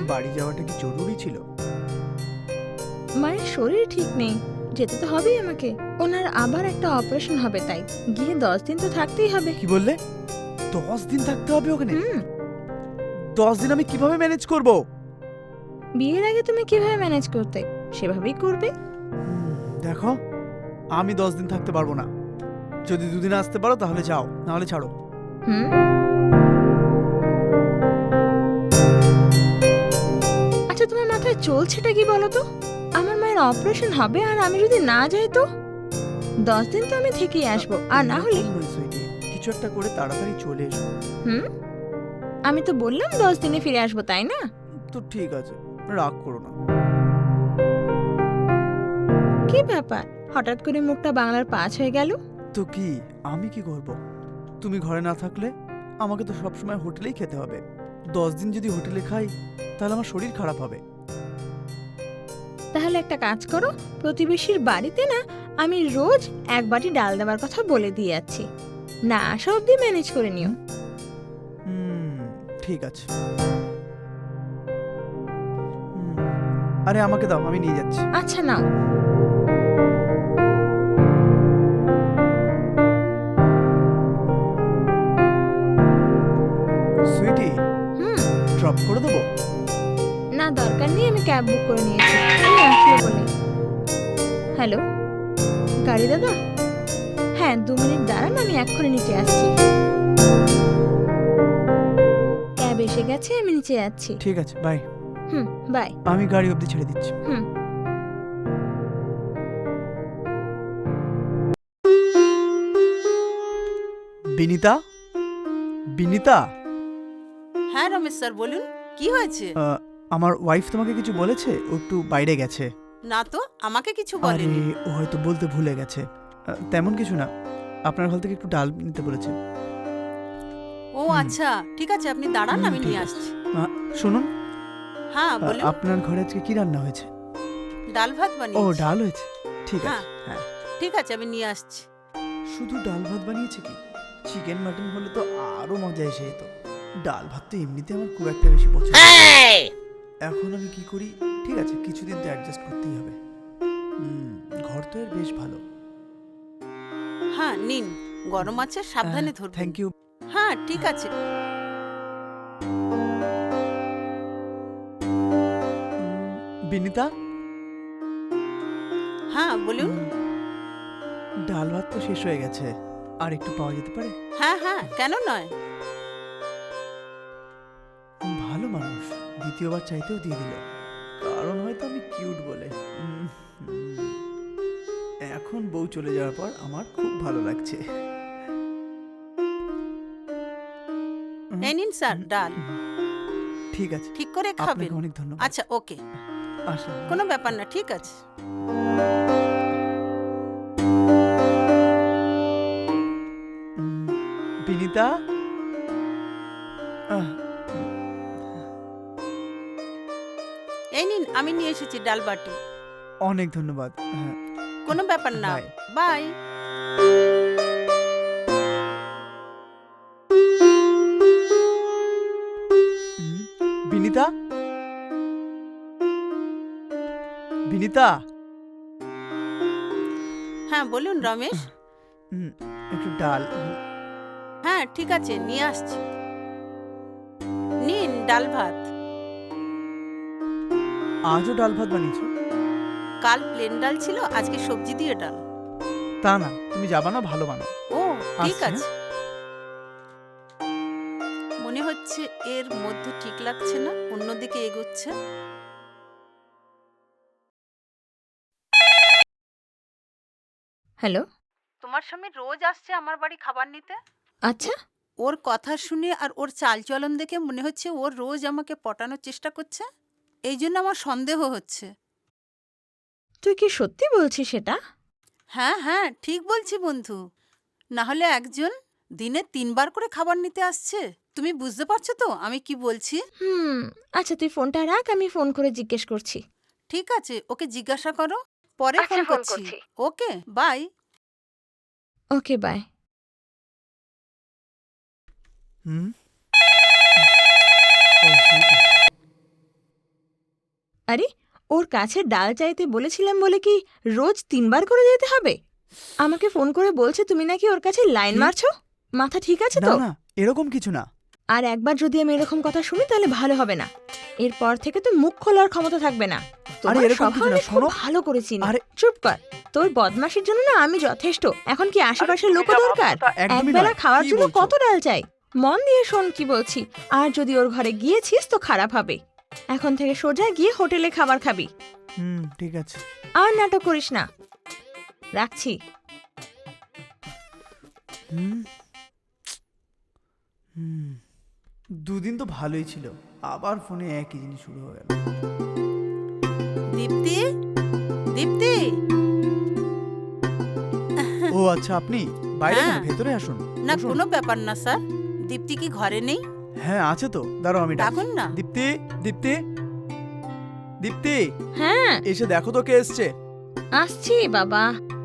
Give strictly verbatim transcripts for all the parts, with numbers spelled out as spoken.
বাড়ি যাওয়াটা কি জরুরি ছিল? মায়ের শরীর ঠিক নেই, যেতে তো হবেই আমাকে। ওনার আবার একটা অপারেশন হবে, তাই গিয়ে দশ দিন তো থাকতেই হবে। কি বললে? দশ দিন থাকতে হবে ওখানে? হুম। দশ দিন আমি কিভাবে ম্যানেজ করব? বিয়ের আগে তুমি কিভাবে ম্যানেজ করতে, সেভাবেই করবে। দেখো, আমি দশ দিন থাকতে পারবো না। যদি দুদিন আসতে পারো তাহলে যাও, নাহলে ছাড়ো। হুম। আচ্ছা, তোমার মাথায় চলছেটা কি বলো তো? আমার মায়ের অপারেশন হবে আর আমি যদি না যাই তো? দশ দিন তো আমি থেকেই আসবো, আর না হলে এরকম নয় সুইটি, কিছু একটা করে তাড়াতাড়ি চলে এসো। হুম। আমি তো বললাম দশ দিনে ফিরে আসবো, তাই না? তো ঠিক আছে, রাগ করো না। কি ব্যাপার, হঠাৎ করে মুখটা বাংলার পাঁচ হয়ে গেল? তো কি, আমি কি করব? তুমি ঘরে না থাকলে আমাকে তো সবসময় হোটেলেই খেতে হবে। দশ দিন যদি হোটেলে খাই তাহলে আমার শরীর খারাপ হবে। তাহলে একটা কাজ করো, প্রতিবেশীর বাড়িতে না আমি রোজ এক বাটি ডাল দেওয়ার কথা বলে দিয়ে যাচ্ছি, না আসা অব্দি ম্যানেজ করে নিও। হুম, ঠিক আছে। হুম, আরে আমাকে দাও, আমি নিয়ে যাচ্ছি। আচ্ছা নাও। সুইটি, হুম। ড্রপ করে দেবো? না দরকার নেই, আমি ক্যাব বুক করে নিয়েছি, তুমি আসলে বলে। হ্যালো, গাড়ি দাদা? হ্যাঁ, দু মিনিট দাঁড়ান, আমি এক্ষুনি নিচে আসছি। ক্যাব এসে গেছে, আমি নিচে যাচ্ছি। ঠিক আছে, বাই। Hmm, by. আমি গাড়ি অবধি ছেড়ে দিচ্ছি। হুম। বিনিতা, বিনিতা, হ্যাঁ রমেশ স্যার, বলুন কি হয়েছে? আহ, আমার ওয়াইফ তোমাকে কিছু বলেছে? ও একটু বাইরে গেছে। না তো, আমাকে কিছু আরে, বলেনি। ও হয়তো বলতে ভুলে গেছে। আহ, তেমন কিছু না, আপনার ঘর থেকে একটু ডাল নিতে বলেছে। ও হুম। আচ্ছা, ঠিক আছে, আপনি দাঁড়ান, হুম, আমি ঠিক নিয়ে আছে। আসছি। আহ, শুনুন, হ্যাঁ আহ, বলুন। আপনার ঘরে আজকে কি রান্না হয়েছে? ডাল ভাত ও, বানিয়েছি। ডাল হয়েছে, ঠিক হ্যাঁ। আছে। হ্যাঁ, ঠিক আছে, আমি নিয়ে আসছি। শুধু ডাল ভাত বানিয়েছে কি? চিকেন মাটন হলে তো আরো মজা এসে যেত। ডাল ভাত তো এমনিতে আমার খুব একটা বেশি পছন্দ নয়। এখন আমি কি করি? ঠিক আছে, কিছুদিন তো অ্যাডজাস্ট করতেই হবে। হুম, ঘর তো এর বেশ ভালো। হ্যাঁ নিন, গরম আছে, সাবধানে ধরবেন। Thank you. হ্যাঁ ঠিক আছে। বিনিতা, হ্যাঁ বলুন। উম, ডাল ভাত তো শেষ হয়ে গেছে, আর একটু পাওয়া যেতে পারে? হ্যাঁ হ্যাঁ, কেন নয়। ভালো মানুষ, দ্বিতীয়বার চাইতেও দিয়ে দিল। কারণ হয়তো আমি কিউট বলে। উম, হুম। এখন বউ চলে যাওয়ার পর আমার খুব ভালো লাগছে। উম, এই নিন স্যার উম, ডাল, উম, ঠিক আছে, ঠিক করে আপনাকে খাবেন। অনেক ধন্যবাদ। আচ্ছা ওকে, আসলাম। কোনো ব্যাপার না, ঠিক আছে। উম, বিনিতা, আহ, এই নিন, আমি নিয়ে এসেছি ডাল বাটি। অনেক ধন্যবাদ। হ্যাঁ, কোনো ব্যাপার না, bye. Bye. Um, Binita, Binita, হ্যাঁ বলুন রমেশ। উম, একটু ডাল। হ্যাঁ ঠিক আছে, নিয়ে আসছি। নিন ডাল ভাত। আজও ডাল ভাত বানিয়েছো? কাল প্লেন ডাল ছিল, আজকে সবজি দিয়ে ডাল। তা না, তুমি যাবা না, ভালো বানাও। ও ঠিক আসছি, আছে। মনে হচ্ছে এর মধ্যে ঠিক লাগছে না, অন্যদিকে এগোচ্ছে। হ্যালো। তোমার স্বামী রোজ আসছে আমার বাড়ি খাবার নিতে। আচ্ছা, ওর কথা শুনে আর ওর চালচলন দেখে মনে হচ্ছে ওর রোজ আমাকে পটানোর চেষ্টা করছে। এই জন্য আমার সন্দেহ হচ্ছে। তুই কি সত্যি বলছিস সেটা? হ্যাঁ হ্যাঁ, ঠিক বলছি বন্ধু। না হলে একজন দিনে তিনবার করে খাবার নিতে আসছে। তুমি বুঝতে পারছো তো আমি কি বলছি? হুম। আচ্ছা, তুই ফোনটা রাখ, আমি ফোন করে জিজ্ঞেস করছি। ঠিক আছে, ওকে জিজ্ঞাসা করো, পরে আচ্ছা, ফোন ফোন করছি। করছি। Okay bye. Okay, bye. Hmm. ও, সুইটি। আরে ওর কাছে ডাল চাইতে বলেছিলাম বলে কি রোজ তিনবার করে যেতে হবে? আমাকে ফোন করে বলছে তুমি নাকি ওর কাছে লাইন কি? মারছো। মাথা ঠিক আছে না তো? না, এরকম কিছু না। আর একবার যদি আমি এরকম কথা শুনি তাহলে ভালো হবে না। এরপর থেকে তো মুখ খোলার ক্ষমতা থাকবে না। তোমার এরকম স্বভাব কিছু না, আমি খুব শোনো। ভালো করে চিনি। আরে চুপ কর। তোর বদমাশির জন্য না আমি যথেষ্ট। এখন কি আশেপাশের তুমি লোকও যা দরকার? ভাবছো তা একদমই একবেলা নয়। খাওয়ার কি জন্য বলছো? কত ডাল চাই? মন দিয়ে শোন কি বলছি। আর যদি ওর ঘরে গিয়েছিস তো খারাপ হবে। এখন থেকে সোজা গিয়ে হোটেলে খাবার খাবি। হুম, ঠিক আছে। আর নাটক করিস না। রাখছি। হুম হুম দুদিন তো ভালোই ছিল, আবার ফোনে একই জিনিস শুরু হয়ে গেল। দীপ্তি, দীপ্তি। ও আচ্ছা, আপনি বাইরে কেন? হ্যাঁ। ভেতরে আসুন। না বসুন। কোনো ব্যাপার না স্যার। দীপ্তি কি ঘরে নেই? হ্যাঁ আছে তো, দাঁড়াও আমি ডাকছি। ডাকুন না। দীপ্তি, দীপ্তি, দীপ্তি, হ্যাঁ এসে দেখো তো কে এসছে। আসছি বাবা।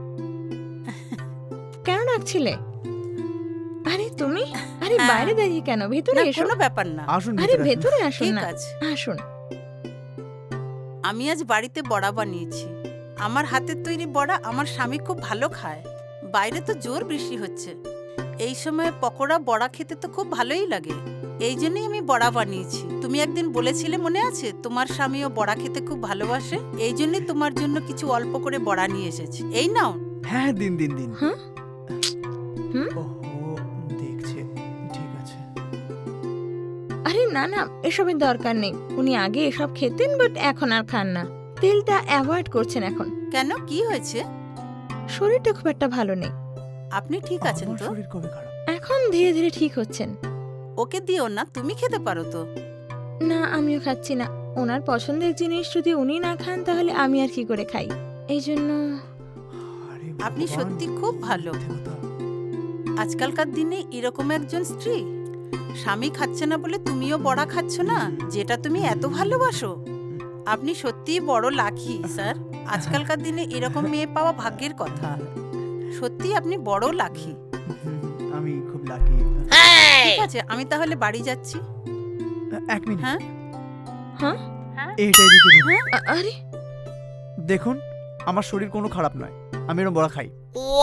কেন ডাকছিলে? আরে তুমি? আরে হ্যাঁ। বাইরে দাঁড়িয়ে কেন? ভেতরে না এসো। কোনো ব্যাপার না। আসুন আরে ভেতরে আসুন। ভেতরে আসুন ঠিক না। আছে। আসুন। আমি আজ বাড়িতে বড়া বানিয়েছি। আমার হাতের তৈরি বড়া আমার স্বামী খুব ভালো খায়। বাইরে তো জোর বৃষ্টি হচ্ছে, এই সময় পকোড়া বড়া খেতে তো খুব ভালোই লাগে। এই জন্যই আমি বড়া বানিয়েছি। তুমি একদিন বলেছিলে মনে আছে, তোমার স্বামীও বড়া খেতে খুব ভালোবাসে। এই জন্যই তোমার জন্য কিছু অল্প করে বড়া নিয়ে এসেছি। এই নাও। হ্যাঁ দিন দিন দিন। হ্যাঁ? হুম? ওহো, দেখছে। ঠিক আছে। আরে না না, এসবের দরকার নেই। উনি আগে এসব খেতেন বাট এখন আর খান না। তেলটা অ্যাভয়েড করছেন এখন। কেন, কি হয়েছে? শরীরটা খুব একটা ভালো নেই। আপনি ঠিক আছেন আমার তো? শরীর কবে খারাপ? এখন ধীরে ধীরে ঠিক হচ্ছেন। ওকে দিও না, তুমি খেতে পারো তো। না আমিও খাচ্ছি না। ওনার পছন্দের জিনিস যদি উনি না খান তাহলে আমি আর কি করে খাই? এই জন্য আরে আপনি ভগবান, সত্যি খুব ভালো। মিথ্যে কথা। আজকালকার দিনে এরকম একজন স্ত্রী। স্বামী খাচ্ছে না বলে তুমিও বড়া খাচ্ছ না, যেটা তুমি এত ভালোবাসো। আপনি সত্যিই বড় লাকি স্যার। আজকালকার দিনে এরকম মেয়ে পাওয়া ভাগ্যের কথা। সত্যি আপনি বড় লাকি। হুম, আমি খুব লাকি। ঠিক আছে, আমি তাহলে বাড়ি যাচ্ছি। এক মিনিট। হ্যাঁ হ্যাঁ এইটাই দিকে দিন। আ- আরে দেখুন, আমার শরীর কোনো খারাপ নয়, আমি এরকম বড়া খাই।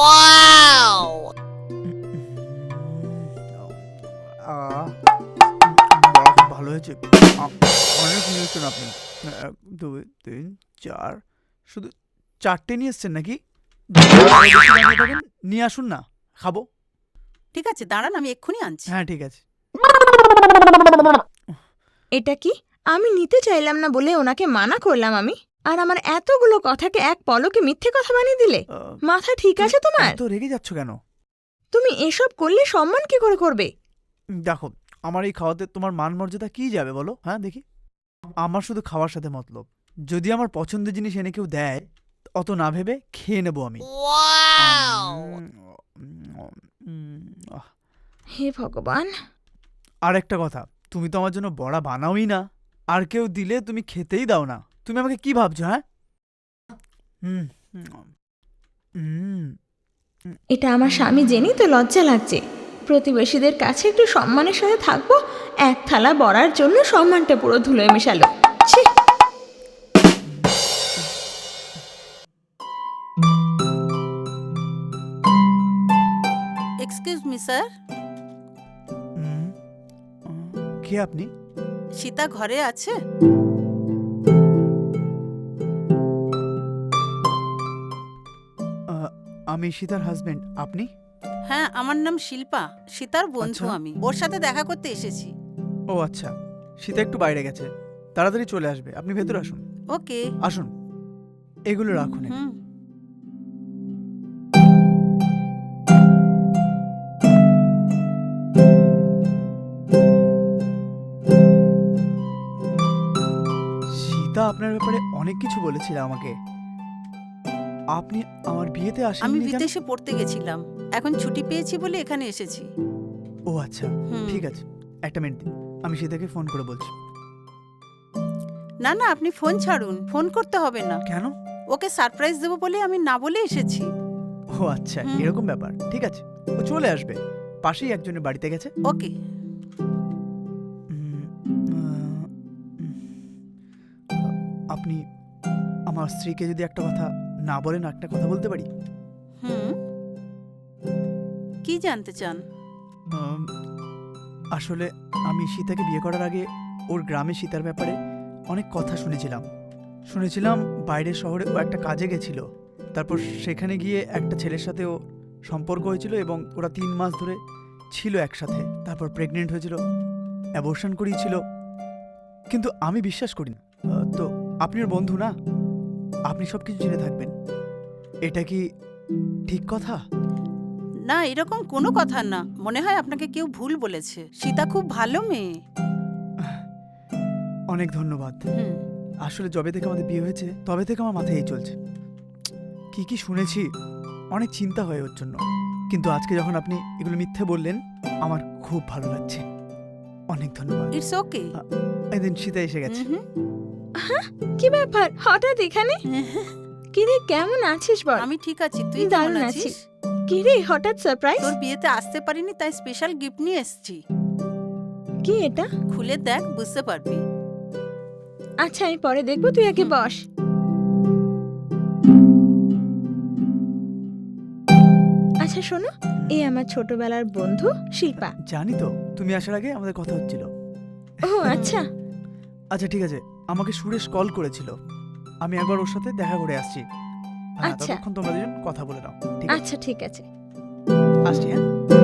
আহ, বড়া খুব ভালো হয়েছে। আ- অনেক নিয়ে এসছেন আপনি। এক দুই তিন চার, শুধু চারটে নিয়ে এসছেন নাকি? বেশি বানিয়ে দেবেন, নিয়ে আসুন না, খাবো। ঠিক আছে, দাঁড়ান, আমি এক্ষুনি আনছি। হ্যাঁ ঠিক আছে। এটা কি? আমি নিতে চাইলাম না বলে ওনাকে মানা করলাম আমি, আর আমার এতগুলো কথাকে এক পলকে মিথ্যে কথা বানিয়ে দিলে। আহ, মাথা ঠিক আছে তোমার? এত রেগে যাচ্ছ কেন? তুমি এসব করলে সম্মান কি করে করবে? দেখো, আমার এই খাওয়াতে তোমার মান মর্যাদা কি যাবে বলো? হ্যাঁ দেখি। আমার শুধু খাওয়ার সাথে মতলব। যদি আমার পছন্দের জিনিস এনে কেউ দেয়, অত না ভেবে খেয়ে নেবো আমি। উম, উম, আহ। হে ভগবান। আর একটা কথা, তুমি তো আমার জন্য বড়া বানাওই না, আর কেউ দিলে তুমি খেতেই দাও না। তুমি আমাকে কি ভাবছো? হ্যাঁ হুম হুম এটা আমার স্বামী জেনেই তো লজ্জা লাগছে। প্রতিবেশীদের কাছে একটু সম্মানের সাথে থাকবো, এক থালা বড়ার জন্য সম্মানটা পুরো ধুলোয় মেশালো। ছি! Excuse me sir. হুম। কে আপনি? সীতা ঘরে আছে? আহ, আমি সীতার হাজবেন্ড। আপনি? হ্যাঁ, আমার নাম শিল্পা, সীতার বন্ধু। আচ্ছা। আমি ওর সাথে দেখা করতে এসেছি। ও আচ্ছা, সীতা একটু বাইরে গেছে, তাড়াতাড়ি চলে আসবে। আপনি ভেতরে আসুন। ওকে। আসুন, এগুলো রাখুন। হুম। সীতা আপনার ব্যাপারে অনেক কিছু বলেছিল আমাকে। আপনি আমার বিয়েতে আমি আসেননি কেন? বিদেশে পড়তে গেছিলাম, এখন ছুটি পেয়েছি বলে এখানে এসেছি। ও আচ্ছা, হুম। ঠিক আছে, একটা মিনিট দিন, আমি সীতাকে ফোন করে বলছি। না না, আপনি ফোন ছাড়ুন, ফোন করতে হবে না। কেন? ওকে সারপ্রাইজ দেবো বলে আমি না বলে এসেছি। ও আচ্ছা, হুম। এরকম ব্যাপার। ঠিক আছে, ও চলে আসবে। পাশেই একজনের বাড়িতে গেছে। ওকে। উম, আহ, উম, আপনি আমার স্ত্রীকে যদি একটা কথা না বলেন, একটা কথা বলতে পারি? হুম, কি জানতে চান? আম, আসলে আমি সীতাকে বিয়ে করার আগে ওর গ্রামে সীতার ব্যাপারে অনেক কথা শুনেছিলাম শুনেছিলাম বাইরের শহরে ও একটা কাজে গেছিল, তারপর সেখানে গিয়ে একটা ছেলের সাথে ও সম্পর্ক হয়েছিল এবং ওরা তিন মাস ধরে ছিল একসাথে, তারপর প্রেগনেন্ট হয়েছিল, অ্যাবর্শন করিয়েছিল। কিন্তু আমি বিশ্বাস করি না। আহ, তো আপনি ওর বন্ধু না, আপনি সব কিছু জেনে থাকবেন। এটা কি ঠিক কথা? না, এরকম কোনো কথা না। মনে হয় আপনাকে কেউ ভুল বলেছে। সীতা খুব ভালো মেয়ে। অনেক ধন্যবাদ। হুম, আসলে যবে থেকে আমাদের বিয়ে হয়েছে তবে থেকে আমার মাথায় এই চলছে, কি কি শুনেছি, অনেক চিন্তা হয় ওর জন্য। কিন্তু আজকে যখন আপনি এগুলো মিথ্যে বললেন, আমার খুব ভালো লাগছে। অনেক ধন্যবাদ। It's okay. এদিন সীতা এসে গেছে। কি ব্যাপার হঠাৎ এখানে? কিরে কেমন আছিস বল? আমি ঠিক আছি, তুই দারুণ কেমন আছি। আছিস? কিরে হঠাৎ সারপ্রাইজ? তোর বিয়েতে আসতে পারিনি, তাই স্পেশাল গিফট নিয়ে এসেছি। কি এটা? খুলে দেখ, বুঝতে পারবি। আচ্ছা আমি পরে দেখবো, তুই আগে হুম। বস। আচ্ছা শোনো, এই আমার ছোটবেলার বন্ধু শিল্পা। জানি তো, তুমি আসার আগে আমাদের কথা হচ্ছিল। ও আচ্ছা। আচ্ছা ঠিক আছে, আমাকে সুরেশ কল করেছিল, আমি একবার ওর সাথে দেখা করে আসছি। হ্যাঁ, আচ্ছা। ততক্ষণ তোমরা দুজন কথা বলে নাও। ঠিক আছে, আচ্ছা ঠিক আছে। আসছি। হ্যাঁ,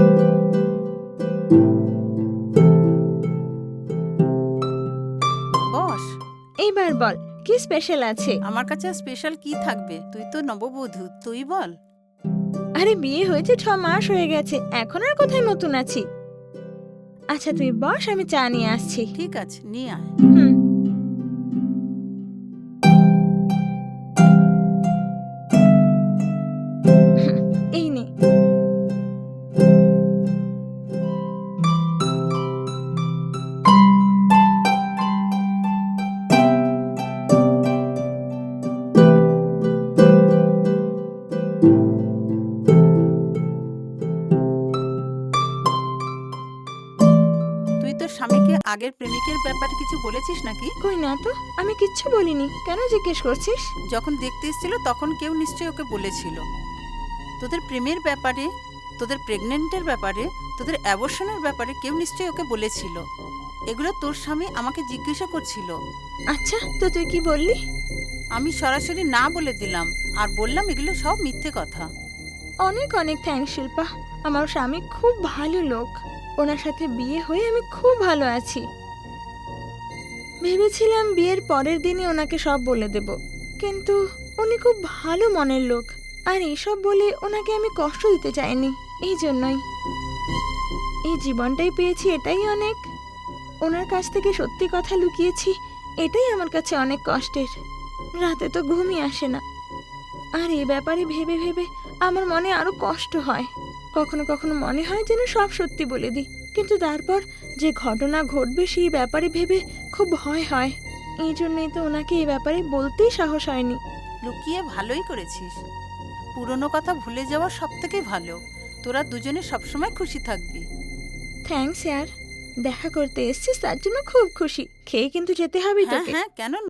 বস, এইবার বল কি স্পেশাল আছে? আমার কাছে স্পেশাল কি থাকবে? তুই তো নববধূ, তুই বল। আরে বিয়ে হয়েছে ছ মাস হয়ে গেছে, এখন আর কোথায় নতুন আছি। আচ্ছা তুই বস, আমি চা নিয়ে আসছি। ঠিক আছে, নিয়ে আয়। হুম। এই নে। তুই তোর স্বামীকে আগের প্রেমিকের ব্যাপারে কিছু বলেছিস নাকি? কই না তো, আমি কিচ্ছু বলিনি, কেন জিজ্ঞেস করছিস? যখন দেখতে এসেছিল তখন কেউ নিশ্চয়ই ওকে বলেছিল তোদের প্রেমের ব্যাপারে, তোদের প্রেগনেন্টের ব্যাপারে, তোদের অ্যাবর্শনের ব্যাপারে কেউ নিশ্চয়ই ওকে বলেছিল। এগুলো তোর স্বামী আমাকে জিজ্ঞাসা করছিল। আচ্ছা তো তুই কি বললি? আমি সরাসরি না বলে দিলাম আর বললাম এগুলো সব মিথ্যে কথা। অনেক অনেক থ্যাঙ্কস শিল্পা, আমার স্বামী খুব ভালো লোক, ওনার সাথে বিয়ে হয়ে আমি খুব ভালো আছি। ভেবেছিলাম বিয়ের পরের দিনই ওনাকে সব বলে দেব, কিন্তু উনি খুব ভালো মনের লোক, আর এইসব বলে ওনাকে আমি কষ্ট দিতে চাইনি, এই জন্যই। এই জীবনটাই পেয়েছি, এটাই অনেক। ওনার কাছ থেকে সত্যি কথা লুকিয়েছি, এটাই আমার কাছে অনেক কষ্টের। রাতে তো ঘুমই আসে না, আর এই ব্যাপারে ভেবে ভেবে আমার মনে আরো কষ্ট হয়। কখনো কখনো মনে হয় যেন সব সত্যি বলে দিই, কিন্তু তারপর যে ঘটনা ঘটবে সেই ব্যাপারে ভেবে খুব ভয় হয়। এই জন্যই তো ওনাকে এই ব্যাপারে বলতেই সাহস হয়নি। লুকিয়ে ভালোই করেছিস। পুরনো কথা ভুলে যাওয়া সব থেকে ভালো। তোরা দুজনে সবসময় খুশি থাকবি। থ্যাঙ্কস ইয়ার, দেখা করতে এসছিস তার জন্য খুব খুশি। খেয়ে কিন্তু যেতে হবে হ্যাঁ তোকে। হ্যাঁ, কেন